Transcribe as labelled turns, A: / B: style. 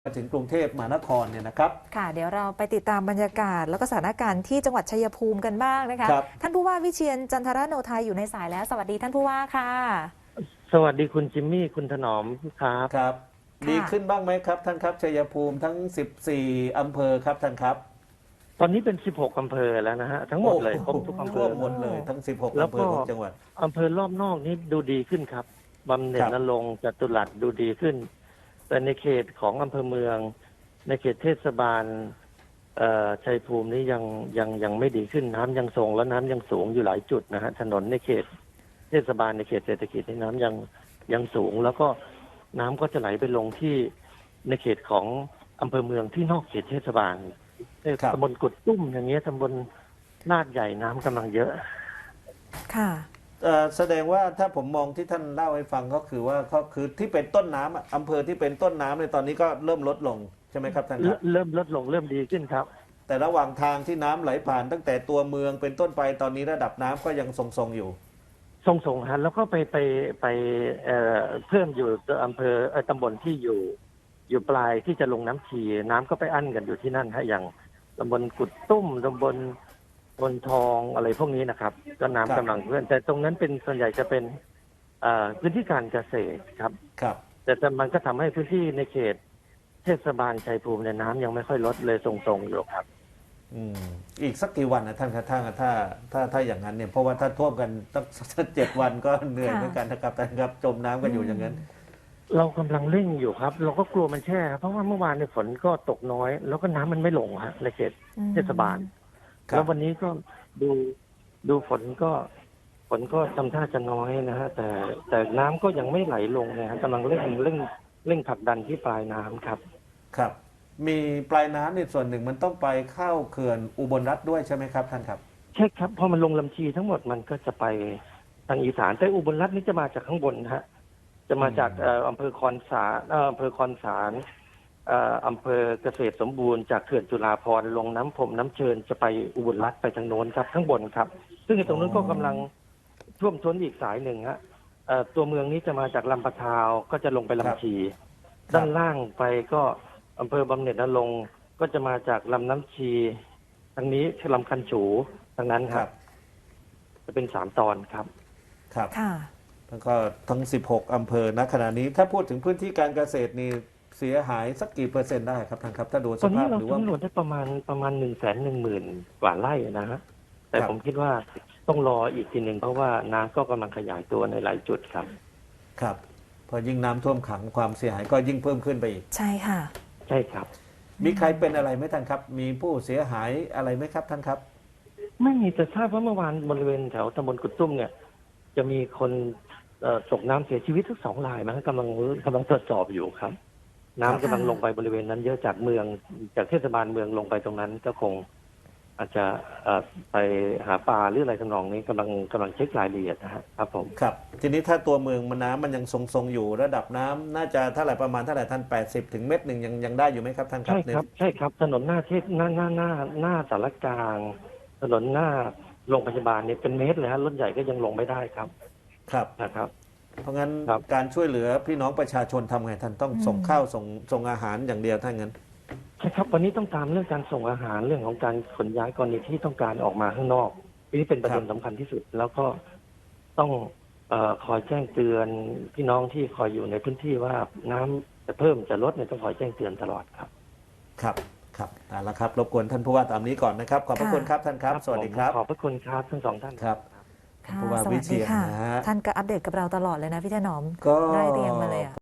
A: มาถึงกรุงเทพมหานครเนี่ยนะครับ
B: ค่ะเดี๋ยวเราไปติดตามบรรยากาศแล้วก็สถานการณ์ที่จังหวัดชัยภูมิกันบ้างนะคะท่านผู้ว่าวิเชียรจันทรโนไทยอยู่ในสายแล้วสวัสดีท่านผู้ว่าค่ะ
C: สวัสดีคุณจิมมี่คุณถนอมครับ
A: ครับดีขึ้นบ้างไหมครับท่านครับชัยภูมิทั้ง14อำเภอครับท่านครับ
C: ตอนนี้เป็น16อำเภอแล้วนะฮะทั้งหมดเลยครบทุกอำเภอ
A: หมดเลยทั้ง16อำเภอของจังหวัด
C: อำเภอรอบนอกนี้ดูดีขึ้นครับบำเหน็จนรงค์จตุรัสดูดีขึ้นแต่ในเขตของอำเภอเมืองในเขตเทศบาลชัยภูมินี้ยังไม่ดีขึ้นน้ำยังทรงและน้ำยังสูงอยู่หลายจุดนะฮะถนนในเขตเทศบาลในเขตเศรษฐกิจในน้ำยังสูงแล้วก็น้ำก็จะไหลไปลงที่ในเขตของอำเภอเมืองที่นอกเขตเทศบาลตำบลกุดตุ้มอย่างเงี้ยตำบลลาดใหญ่น้ำกำลังเยอะ
B: ค่ะ
A: แสดงว่าถ้าผมมองที่ท่านเล่าให้ฟังก็คือว่าก็คือที่เป็นต้นน้ำอำเภอที่เป็นต้นน้ำในตอนนี้ก็เริ่มลดลงใช่ไหมครับท่านครับ
C: เริ่มลดลงเริ่มดีขึ้นครับ
A: แต่ระหว่างทางที่น้ำไหลผ่านตั้งแต่ตัวเมืองเป็นต้นไปตอนนี้ระดับน้ำก็ยังทรงๆอยู่
C: ส่งฮะแล้วก็ไปเพิ่มอยู่อำเภอตำบลที่อยู่ปลายที่จะลงน้ำชีน้ำก็ไปอั้นกันอยู่ที่นั่นฮะอย่างตำบลกุดตุ้มตำบลบนทองอะไรพวกนี้นะครับก็น้ำกำลังเพื่อนแต่ตรงนั้นเป็นส่วนใหญ่จะเป็นพื้นที่การเกษตรครับ
A: ครับ
C: แต่มันก็ทำให้พื้นที่ในเขตเทศบาลชัยภูมิในน้ำยังไม่ค่อยลดเลยทรงๆอยู่ครับ
A: อีกสักกี่วันนะท่านครับถ้าอย่างนั้นเนี่ยเพราะว่าถ้าท่วมกันตั้ง7 วันก็เหนื่อยเหมือนกันนะครับท่านครับจมน้ำกันอยู่อย่างนั้น
C: เรากำลังเร่งอยู่ครับเราก็กลัวมันแช่เพราะว่าเมื่อวานในฝนก็ตกน้อยแล้วก็น้ำมันไม่ลงฮะในเขตเทศบาลแล้ววันนี้ก็ดูฝนก็ทำท่าจะน้อยนะฮะแต่น้ำก็ยังไม่ไหลลงนะฮะกำลังเร่งผลักดันที่ปลายน้ำครับ
A: ครับมีปลายน้ำในส่วนหนึ่งมันต้องไปเข้าเขื่อนอุบลรัฐด้วยใช่ไหมครับท่านครับ
C: ใช่ครับพอมันลงลำชีทั้งหมดมันก็จะไปทางอีสานแต่อุบลรัฐนี่จะมาจากข้างบนฮะจะมาจากอำเภอคอนสารอำเภอคอนสารอำเภอเกษตรสมบูรณ์จากเขื่อนจุฬาภรณ์ลงน้ำพรมน้ำเชิญจะไปอุบลรัฐไปทางโน้นครับข้างบนครับซึ่งตรงนั้นก็กำลังท่วมท้นอีกสายหนึ่งฮะตัวเมืองนี้จะมาจากลำปะทาวก็จะลงไปลำชีด้านล่างไปก็อำเภอบำเหน็จนรงค์ก็จะมาจากลำน้ำชีทางนี้ลำคันฉูทางนั้นครับจะเป็น3 ตอนครับ
A: ครับแล้วก็ทั้ง16อำเภอณขณะนี้ถ้าพูดถึงพื้นที่การเกษตรนี่เสียหายสักกี่เปอร์เซ็นต์ได้ครับท่านครับถ้าดูสภาพหรือว่า
C: ตอนนี้เราสำรวจได้ประมาณ110,000 กว่าไร่นะฮะแต่ผมคิดว่าต้องรออีกทีหนึ่งเพราะว่าน้ำก็กำลังขยายตัวในหลายจุดครับ
A: ครับพอยิ่งน้ำท่วมขังความเสียหายก็ยิ่งเพิ่มขึ้นไปอีก
B: ใช่ค่ะ
C: ใช่ครับ
A: มีใครเป็นอะไรไหมท่านครับมีผู้เสียหายอะไรไหมครับท่านครับ
C: ไม่มีแต่ทราบว่าเมื่อวานบริเวณแถวตำบลกุดตุ้มเนี่ยจะมีคนตกน้ำเสียชีวิตทั้ง2 รายนะกำลังตรวจสอบอยู่ครับน้ำกำลังลงไปบริเวณนั้นเยอะจากเมืองจากเทศบาลเมืองลงไปตรงนั้นก็คงอาจจะไปหาปลาหรืออะไรทำนองนี้กำลังเช็ครายละเอียดนะครับผม
A: ครับทีนี้ถ้าตัวเมืองมันน้ำมันยังทรงอยู่ระดับน้ำน่าจะเท่าไหร่ประมาณเท่าไหร่ท่าน80 ถึง1 เมตรยังได้อยู่ไหมครับท่านครับ
C: ใช่ครับถนนหน้าเทศหน้าสารกลางถนนหน้าโรงพยาบาลเนี่ยเป็นเมตรเลยฮะรถใหญ่ก็ยังลงไม่ได้ครับ
A: ครับ
C: นะครับ
A: เพราะงั้นการช่วยเหลือพี่น้องประชาชนทำไงท่านต้องส่งข้าวส่งอาหารอย่างเดียวถ้างั้น
C: ใช่ครับวันนี้ต้องตามเรื่องการส่งอาหารเรื่องของการขนย้ายกรณีที่ต้องการออกมาข้างนอกนี่เป็นประเด็นสำคัญที่สุดแล้วก็ต้องคอยแจ้งเตือนพี่น้องที่คอยอยู่ในพื้นที่ว่าน้ำจะเพิ่มจะลดเนี่ยต้องคอยแจ้งเตือนตลอดครับ
A: ครับเอาละครับรบกวนท่านผู้ว่าตามนี้ก่อนนะครับขอบพระคุณครับท่านครับสวัสดีครับ
C: ขอบพระคุณครับทั้ง2 ท่าน
A: ครับผู้ว่าวิเชียรนะฮะ
B: ท่านก็อัปเดตกับเราตลอดเลยนะพี่ถนอมได้เรียงมาเลย